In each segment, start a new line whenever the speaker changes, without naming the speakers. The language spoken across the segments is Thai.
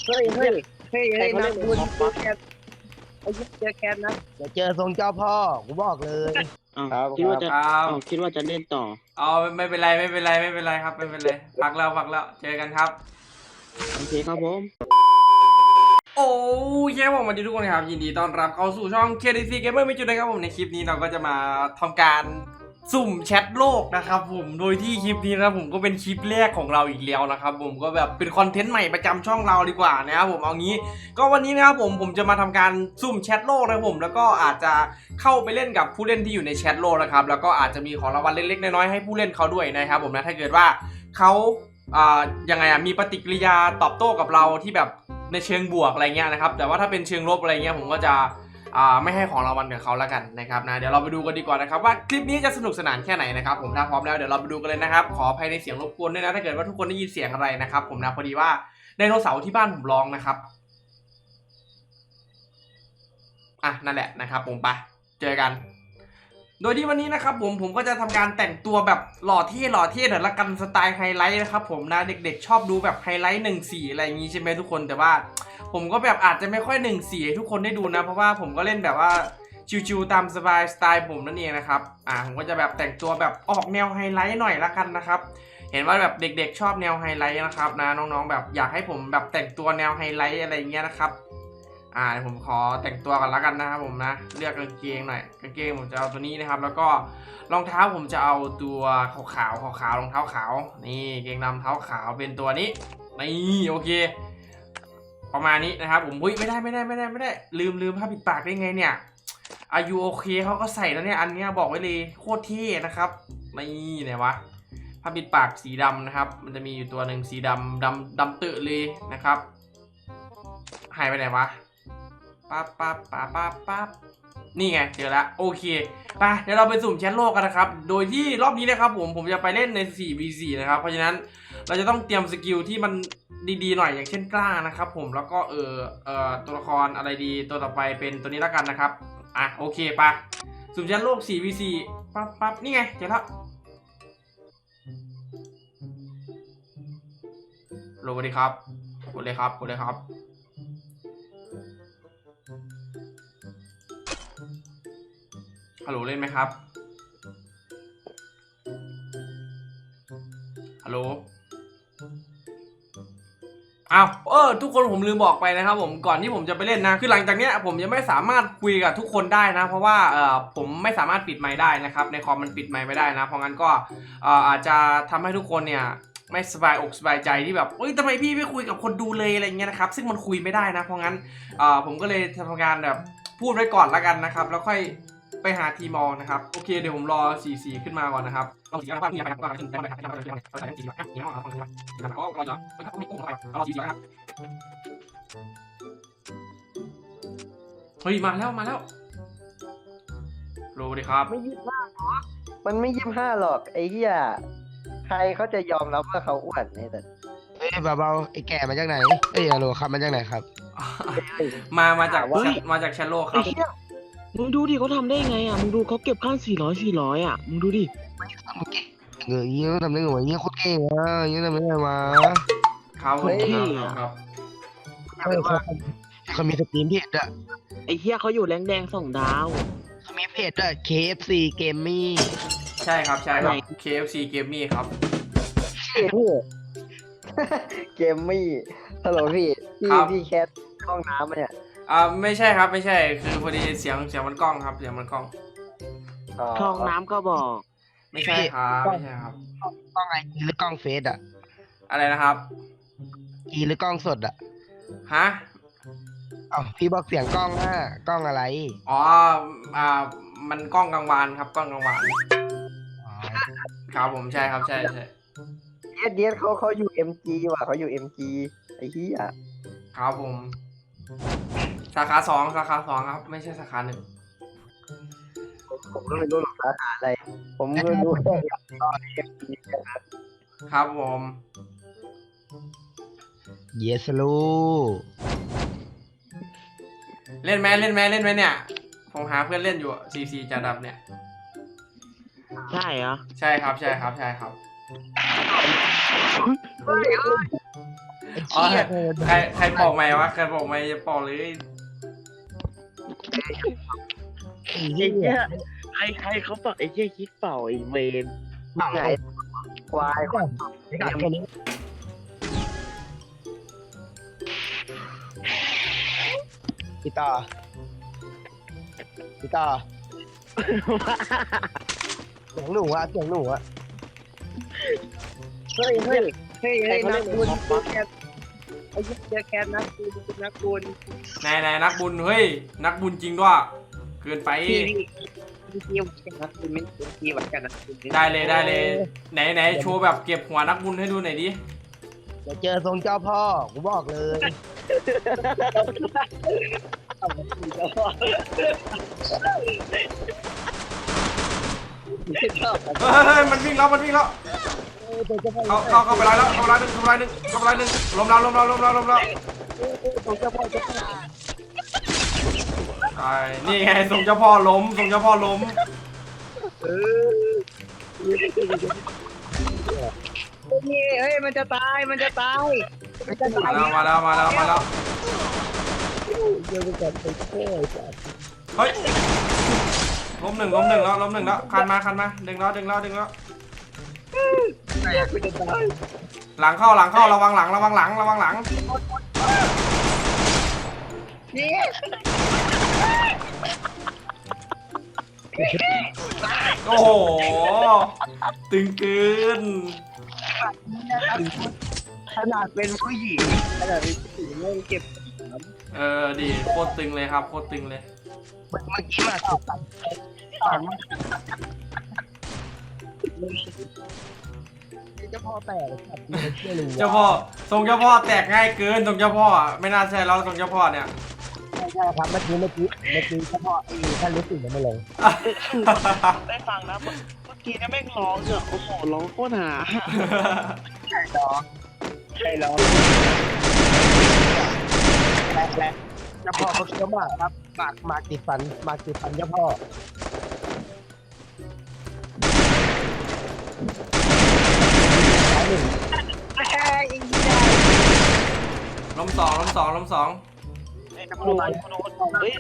เฮ้ยเฮ้ยเฮ้ยเฮ้ยนะคุณแคทไอ้เจอแคทนะเดี๋ยวเจอทรงเจ้าพ่อกูบอกเลย
คิดว่าจะคิดว่าจะเล่นต่อ
ไม่เป็นไรไม่เป็นไรไม่เป็นไรครับไม่เป็นไรพักแล้วเจอกันครับ
โอเคครับผม
โอ้ยแย่ผมมาดีทุกคนครับยินดีต้อนรับเข้าสู่ช่อง KDC Gamer ไม่จุดนะครับผมในคลิปนี้เราก็จะมาทำการสุ่มแชทโลกนะครับผมโดยที่คลิปนี้นะผมก็เป็นคลิปแรกของเราอีกแล้วนะครับผมก็แบบเป็นคอนเทนต์ใหม่ประจำช่องเราดีกว่านะครับผมเอางี้ก็วันนี้นะครับผมจะมาทำการสุ่มแชทโลกนะครับผมแล้วก็อาจจะเข้าไปเล่นกับผู้เล่นที่อยู่ในแชทโลกนะครับแล้วก็อาจจะมีของรางวัลเล็กๆน้อยๆให้ผู้เล่นเขาด้วยนะครับผมนะถ้าเกิดว่าเขายังไงมีปฏิกิริยาตอบโต้กับเราที่แบบในเชิงบวกอะไรเงี้ยนะครับแต่ว่าถ้าเป็นเชิงลบอะไรเงี้ยผมก็จะไม่ให้ของรางวัลกับเขาแล้วกันนะครับนะเดี๋ยวเราไปดูกันดีกว่านะครับว่าคลิปนี้จะสนุกสนานแค่ไหนนะครับผมถ้าพร้อมแล้วเดี๋ยวเราไปดูกันเลยนะครับขออภัยในเสียงรบกวนด้วยนะถ้าเกิดว่าทุกคนได้ยินเสียงอะไรนะครับผมนะพอดีว่าไดโนเสาร์ที่บ้านผมร้องนะครับนั่นแหละนะครับผมไปเจอกันโดยที่วันนี้นะครับผมก็จะทำการแต่งตัวแบบหล่อเท่หน่อยละกันสไตล์ไฮไลท์นะครับผมนะเด็กๆชอบดูแบบไฮไลท์1-4อะไรอย่างงี้ใช่ไหมทุกคนแต่ว่าผมก็แบบอาจจะไม่ค่อย1-4ให้ทุกคนได้ดูนะเพราะว่าผมก็เล่นแบบว่าชิวๆตามสบายสไตล์ผมนั่นเองนะครับผมก็จะแบบแต่งตัวแบบออกแนวไฮไลท์หน่อยละกันนะครับเห็นว่าแบบเด็กๆชอบแนวไฮไลท์นะครับนะน้องๆแบบอยากให้ผมแบบแต่งตัวแนวไฮไลท์อะไรเงี้ยนะครับผมขอแต่งตัวกันแล้วกันนะครับผมนะเลือกกางเกงหน่อยกางเกงผมจะเอาตัวนี้นะครับแล้วก็รองเท้าผมจะเอาตัวขาวรองเท้าขาวนี่เกงดำเท้าขาวเป็นตัวนี้นี่โอเคประมาณนี้นะครับผมไม่ได้ลืมผ้าปิดปากได้ไงเนี่ยอายุโอเคเขาก็ใส่แล้วเนี่ยอันนี้บอกไว้เลยโคตรเท่นะครับนี่ไหนวะผ้าปิดปากสีดำนะครับมันจะมีอยู่ตัวหนึ่งสีดำตื่นเลยนะครับหายไปไหนวะปั๊บนี่ไงเจอแล้วโอเคไปเดี๋ยวเราไปสุ่มแชทโลกกันนะครับโดยที่รอบนี้นะครับผมจะไปเล่นใน 4v4 นะครับเพราะฉะนั้นเราจะต้องเตรียมสกิลที่มันดีๆหน่อยอย่างเช่นกล้านะครับผมแล้วก็ตัวละครอะไรดีตัวต่อไปเป็นตัวนี้แล้วกันนะครับโอเคไปสุ่มแชทโลก 4v4 ปั๊บนี่ไงเจอแล้วโหลดดีครับกดเลยครับฮัลโหลเล่นไหมครับฮัลโหลทุกคนผมลืมบอกไปนะครับผมก่อนที่ผมจะไปเล่นนะคือหลังจากเนี้ยผมยังไม่สามารถคุยกับทุกคนได้นะเพราะว่าผมไม่สามารถปิดไมค์ได้นะครับในคอมมันปิดไมค์ไม่ได้นะเพราะงั้นก็อาจจะทำให้ทุกคนเนี่ยไม่สบายอกสบายใจที่แบบทำไมพี่ไม่คุยกับคนดูเลยอะไรเงี้ยนะครับซึ่งมันคุยไม่ได้นะเพราะงั้นผมก็เลยทำการแบบพูดไว้ก่อนละกันนะครับแล้วค่อยไปหาทีมอลนะครับโอเคเดี๋ยวผมรอ4-4ขึ้นมาก่อนนะครับลองสีอะไรบ้างมีอะไรบ้างขึ้นได้ไหมครับเราใส่สีแบบนี้เอาสีแบบก็รอเนาะไม่กุ้งอะไรเราสีครับเฮ้ยมาแล้วโหลดีครับ
ไม่25หรอกมันไม่25หรอกไอ้เหี้ยใครเขาจะยอมรับว่าเขาอ้วนเนี่ยแต่
เบาๆไอ้แก่มาจากไหนฮัลโหลครับมาจากไหนครับ
มาจากแชโลครับ
มึงดูดิเขาทำได้ไงมึงดูเขาเก็บข้าง400มึงดูดิ
เงี้ยทำได้ไงวะเงี้ยโคตรเก่งเงี้ยทำได้ไงวะ
ครับ
เขามีสตรีมเพจอะ
ไอ้เหี้ยเขาอยู่แรงแดง2 ดาว
เขามีเพจอะ KFC Gaming
ใช่ครับ KFC Gaming ครับ
เกมมี่ฮัลโหลพี่แคทห้องน้ำเนี่ย
ไม่ใช่ครับไม่ใช่คือพอดีเสียงมันกล้องครับเสียงมันกล้อง
ห้องน้ำก็บอก
ไม่ใช่ครับ
กล้องไอจีหรือกล้องเฟซอะ
อะไรนะครับ
อีหรือกล้องสดอะ
ฮะ
พี่บอกเสียงกล้องกล้องอะไร
มันกล้องกลางวานครับกล้องกลางวานครับผมใช่ครับใช่
เดียเขาอยู่ MG ว่ะเขาอยู่ MG ไอ้เหี้ย
ครับผมสาขา2ครับไม่ใช่สาขา1
ผมก็ไม่รู้หรอกสาขาอะไรผมก็รู้แค่MG
ครับผม
Yes ลู
เล่นไหมเนี่ยผมหาเพื่อนเล่นอยู่CC จาดับเนี่ย
ใช่เหรอ
ใช่ครับอ๋อ
เชี่ย
ใครบอกไหมวะใครบอกไหมจะบอกเลย
ไอ้เหี้ยใครเขาบอกไอ้เหี้ยคิดเปล่าไอ้เวน
ไงควายก่อนไอ้กัดคนนี้พี่ต่อเสียงหนูอะเฮ้ยนักบุญแคทไอ้เจอแคทนักบุญ
ไหนนักบุญเฮ้ยนักบุญจริงด้วยเกินไป
พี่นักบุญไม่เป็นพี่เหมือนกันนะ
ได้เลยไหนโชว์แบบเก็บหัวนักบุญให้ดูหน่อยดิ
เดี๋ยวเจอทรงเจ้าพ่อกูบอกเลย
เฮ้ยมันวิ่งแล้วเข้าไปไล่แล้วเข้าไปไล่หนึ่งล้มแล้วใช่นี่ไงส่งเจ้าพ่อล้ม
เฮ้ยมันจะตายมาแล้วเดี๋ยวจะไปโค้ยจ้ะ
เฮ้ยล้มหนึ่งแล้วคันมาดึงแล้ว หลังเข้าระวังหลัง
นี่
โอ้โหตึงเกิน
ขนาดเป็นผู้หญิงเริ่มเก็บ
ดีโคตรตึงเลยครับโคตรตึงเลย
เมื่อกี้มาสุดตัดเจ้าพ่อแตกครับไม่รู้
เจ้าพ่อส่งเจ้าพ่อแตกง่ายเกินส่งเจ้าพ่อไม่น่าใช่แล้วส่งเจ้าพ่อเนี่ย
ใช่ครับเมื่อกี้เจ้าพ่อท่านรู้สึกยังไม่ลง
ได้ฟังนะเมื่อกี้เนี่ยแม่งร้องเนี่ยโอ้โหร้องโคตรหา
ใช่ร้องและเจ้าพ่อเขาเชื่อมากครับมากติดฟันเจ้าพ่อ
ล้มสอง
ไอ้ตำรวจเฮ้ย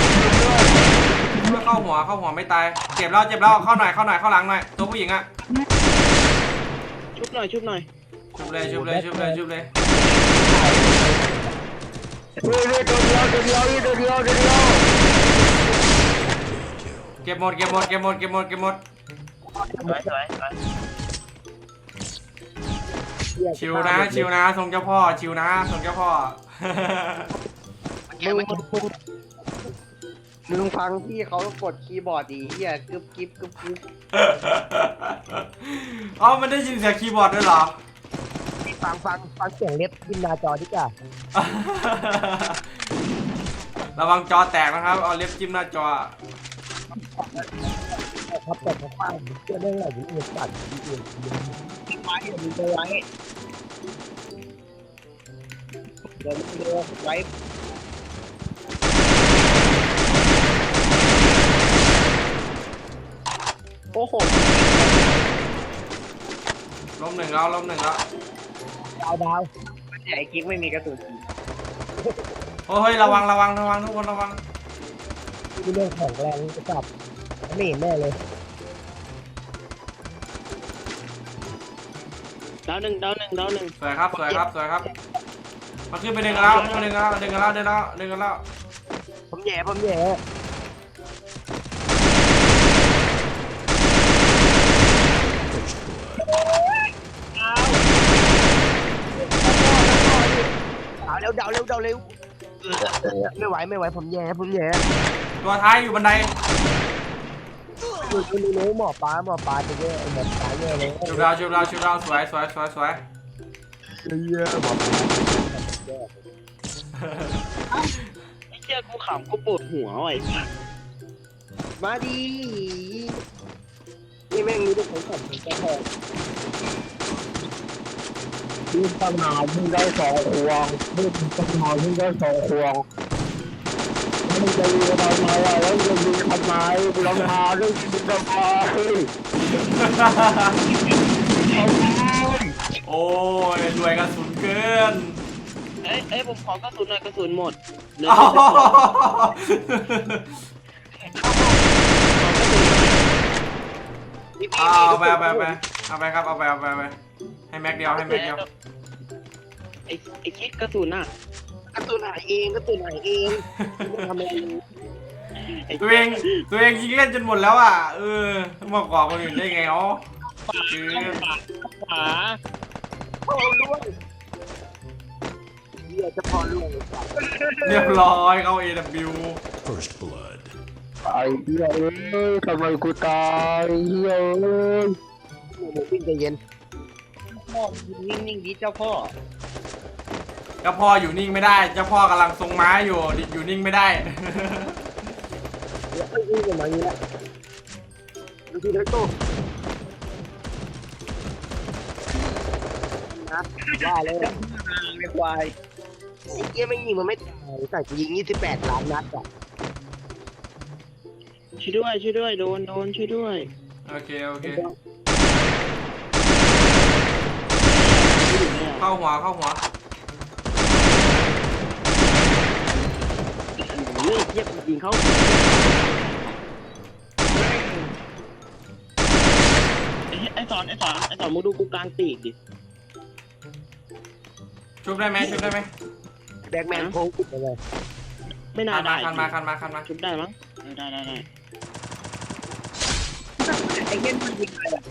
เข้าหัวไม่ตายเจ็บแล้วเข้าหน่อยเข้าหลังหน่อยตัวผู้หญิงอะ
ชุบหน่อย
ชุบเลย
ตัวเดียว
เก็บหมด
สวย
ชิวนะส่งเจ้าพ่อชิวนะส่งเจ้าพ่อ
มึงฟังพี่เขากดคีย์บอร์ดดีเฮียกึบกิ๊บ
อ๋อมันได้ยินเสียงคีย์บอร์ดด้วยเหรอ
ฟังเสียงเล็บขึ้นหน้าจอดิจ้ะ
ระวังจอแตกนะครับเอาเล็บจิ้มหน้าจอ
ครับแต่เขาฟังเชื่อเรื่องอะไรอยู่ในสัตว์ที่อื่นไว้มึงจะไว้เดี๋ยวมึงจะไว้โอ้โห
ล้มหนึ่งแล้ว
ดาวมันใหญ่กิ๊กไม่มีกระสุน
โอ้ยระวังทุกคนระวัง
ที่เรื่องของแรงจะจับไม่เห็นแน่เลย
ดาวหนึ่ง
สวยครับมาขึ้นไปดึงกันแล้ว
ผมแย่เอาเร็วไม่ไหวผมแย่
ตัวท้ายอยู่บันได
คุณรู้หมอปลาจะแย่หมอปลาแย่เลย
ชุบเราสวย
เยอะหมอปลา
ไอ้เจ้ากูขำกูปวดหัวไอ้สัส
มาดีนี่แม่งมีทุกคนขับถึงแค่พอดูปัญหามึงได้2 ควงดูปัญหามึงได้2 ควงแล้วมึงจะยิงทำไมแล้วมึงจะยิงทำไมลองหาด้วยมึงจะไป
โอ้ยรวยกระสุนเกิน
เอ้ยผมขอกระสุนหน่อยกระสุนหมดเหลือ
อ๋อ เอาไปเอาไปครับเอาไปให้แม็กเดียวให้แม็กเดียว
ไอ้คิดกระสุนอ่ะ
กระตุ้นหายเองกระตุ้นหายเองทำอะไร
ตัวเองยิงเล่นจนหมดแล้วอ่ะมากกว่าคนอื่นได้ไงอ๋อ
ขวา
พ่อล่วงเฮียจะพ่อล่วง
เรียบร้อยเข้า AW
First blood.
ไอ้เฮียทำไมกูตายเฮียมึงวิ่งใจเย็นพ่อนิ่งๆดิเจ้าพ่อ
เจ้าพ่ออยู่นิ่งไม่ได้เจ้าพ่อกำลังทรงม้าอยู่นิ่งไม่ได้
แล้ววิ่งกันมาอย่างนี้แหละดูที่ได้โต้นะว่าเลยไม่ควายไอ้เกี้ยไม่ยิงมันไม่ตายแต่กูยิง28 ล้านนัดอ่ะ
ช่วยด้วยโดนช่วยด้วย
โอเคเข้าหัว
เฮ้ยเทียบยิงเขาไอ้สอนมึงดูกูกลางปีกดิ
ชุบได้ไหม
แบ็กแมนโค้งติดไปเลย
ไม่น่าได้
คันมา
ชุบได้มั้งได้
ไอ้เงี้ยมันยิงอะไรอ่ะ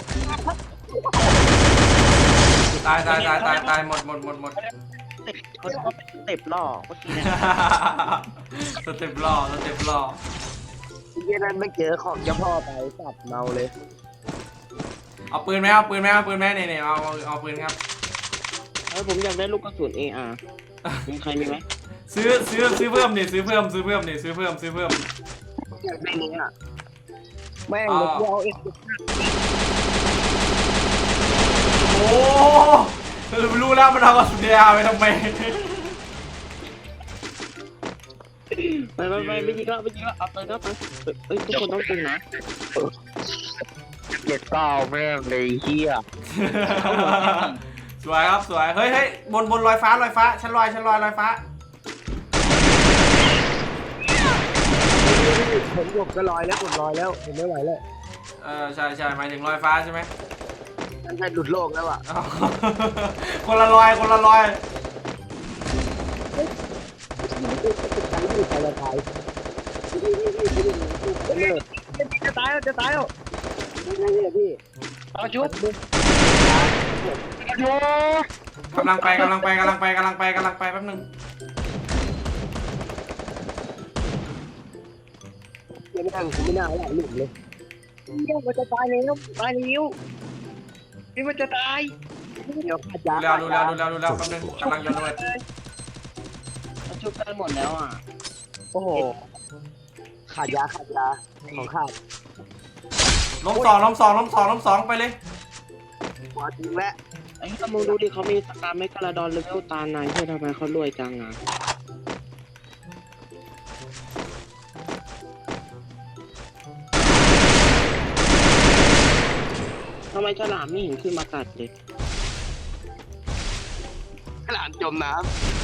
ตายหมด
เขาเป็นสเต็ปล่อเมื่อกี้เนี่ย
สเต็ปล่อ
ไอ้เงี้ยนั้นไม่เจอของเจ้าพ่อไปสับเมาเลย
เอาปืนไหมเนี่ยเอาปืนครับ
ผมอยากได้ลูกกระสุน AR มีใครมีไหม
ซื้อเพิ่มนี่ซื้อเพิ่ม
อยากได้นี้อ่ะแม่งเดี๋ยวกูเอาเอง
โอ้รู้แล้วมันเอากระสุนยาไปทำไม
ไม่ยิงแล้วเอาไปก็ไปเอ้ยทุกคนต้องตึงนะ
79แม่งเลยเฮีย
สวยครับสวยเฮ้ยบนลอยฟ้าชั้นลอยลอยฟ้า
ผมจะลอยแล้วผมลอยแล้วผมไม่ไหวแล้ว
ใช่หมายถึงลอยฟ้าใช่ไหม
นั่นใช่หลุดโลกแล้วอ่ะ
คนละลอย
จะตายแล้วนี่พี่เอาชุบ
กำลังไปแป๊บนึง
ยังไม่ทำกูไม่น่าหลับหลุดเลยมันจะตายแล้วพี่มันจะตายเดี๋ยวขาดยา
ดูแล้วแป๊บนึงกำลังโยนเลย
เขาชุบกันหมดแล้วอ่ะ
โอ้โหขาดยาของขาด
ล้มสองไปเลย
หัวจริงแล้ว
ไอ้ถ้ามึงดูดิเขามีสการไม่กระดอนเลเวลตาไหนใช่ทำไมเขารวยจังอ่ะทำไมฉลามไม่เห็นขึ้นมากัดเลย
หลานจมน้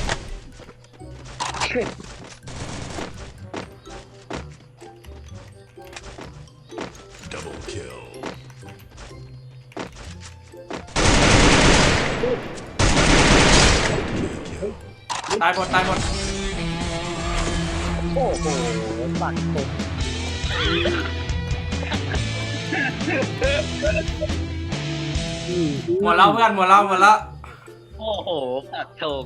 Double kill.
ตายหมด
ำโอ้โหปัดตก
หมดแล้วเพื่อนหมดแล้ว
โอ้โหปักธง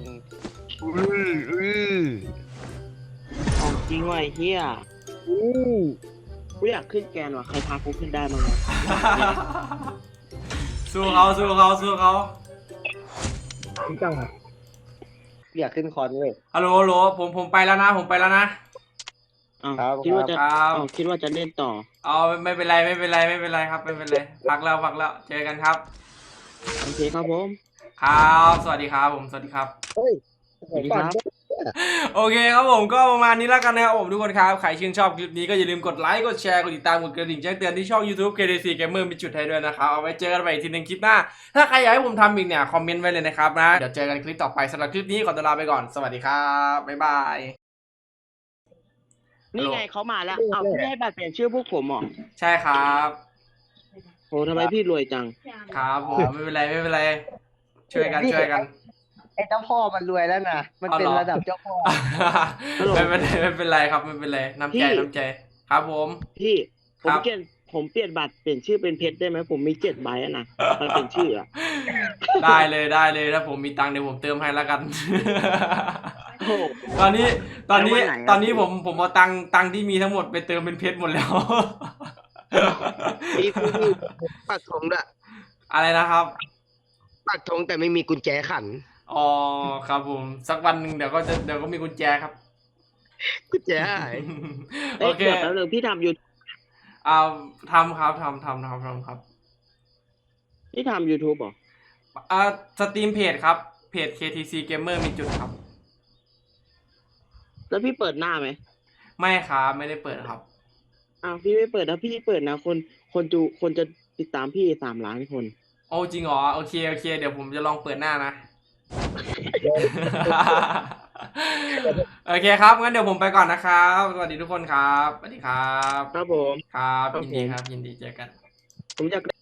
ของจริงว่ะไอ้เฮียกูอยากขึ้นแกนว่ะใครพากูขึ้นได้มั้งวะ
สู้เขา
จังอยากขึ้นคอนเว้ย
ฮัลโหลผมไปแล้วนะ
อ้าว
ครับ
คิดว่าจะ
ครับ
อ้าวคิดว่าจะเล่นต่อ
เอาไม่เป็นไรครับไม่เป็นไรพักแล้วเจอกันครับ
โอเคครับผม
ครับสวัสดีครับผมสวัสดีครับ
เฮ้ย
สวัสดีครับ
โอเคครับผมก็ประมาณนี้แล้วกันนะครับผมทุกคนครับใครชื่นชอบคลิปนี้ก็อย่าลืมกดไลค์กดแชร์กดติดตามกดกระดิ่งแจ้งเตือนที่ช่อง YouTube KDC Gamer มีจุดให้ด้วยนะครับเอาไว้เจอกันใหม่อีกทีนึงคลิปหน้าถ้าใครอยากให้ผมทำอีกเนี่ยคอมเมนต์ไว้เลยนะครับนะเดี๋ยวเจอกันคลิปต่อไปสำหรับคลิปนี้ขอตัวลาไปก่อนสวัสดีครับบ๊ายบาย
นี่ไงเขามาแล้วเอาพี่ให้บัตรเปลี่ยนชื่อพวกผมเหรอ
ใช่ครับ
โหทำไมพี่รวยจัง
ครับผมไม่เป็นไรไม่เป็นไรช่วยกันช่วยกัน
ไอ้เจ้าพ่อมันรวยแล้วนะมันเป็นระดับเจ้าพ่อ
ไม่เป็นไรครับไม่เป็นไรน้ำใจน้ำใจครับผม
พี่ผ
ครั
ม
บ
เปลี่ยนบัตรเปลี่ยนชื่อเป็นเพชรได้ไหมผมมี7 ใบอะนะมันเป็นชื่ออะ
ได้เลยถ้าผมมีตังค์เดี๋ยวผมเติมให้แล้วกัน
โอ้โห
ตอนนี้
แล้ววันไหนอะ
ตอนนี้ผมเอาตังค์ที่มีทั้งหมดไปเติมเป็นเพชรหมดแล้ว
พี่ปักธงด้วย
อะไรนะครับ
ปักธงแต่ไม่มีกุญแจขัน
อ๋อครับผมสักวันหนึ่งเดี๋ยวก็มีกุญแจครับ
กุญแจหาย
โอเค
เดี๋ยวแป๊บนึงพี่ทำยู
เอาทำครับทำครับ
พี่ทำ YouTube เหรอ
สตรีมเพจครับเพจ KTC Gamer มีจุดครับ
แล้วพี่เปิดหน้าไหม
ไม่ครับไม่ได้เปิดครับ
อ้าวพี่ไม่เปิดนะพี่เปิดนะคนจะติดตามพี่3 ล้านคน
โอ้จริงเหรอโอเคเดี๋ยวผมจะลองเปิดหน้านะ โอเคครับงั้นเดี๋ยวผมไปก่อนนะครับสวัสดีทุกคนครับสวัสดีครับ
ครับผม
ครับ
ครับ
ยินดีครับยินดีเจอกัน
ผมอยาก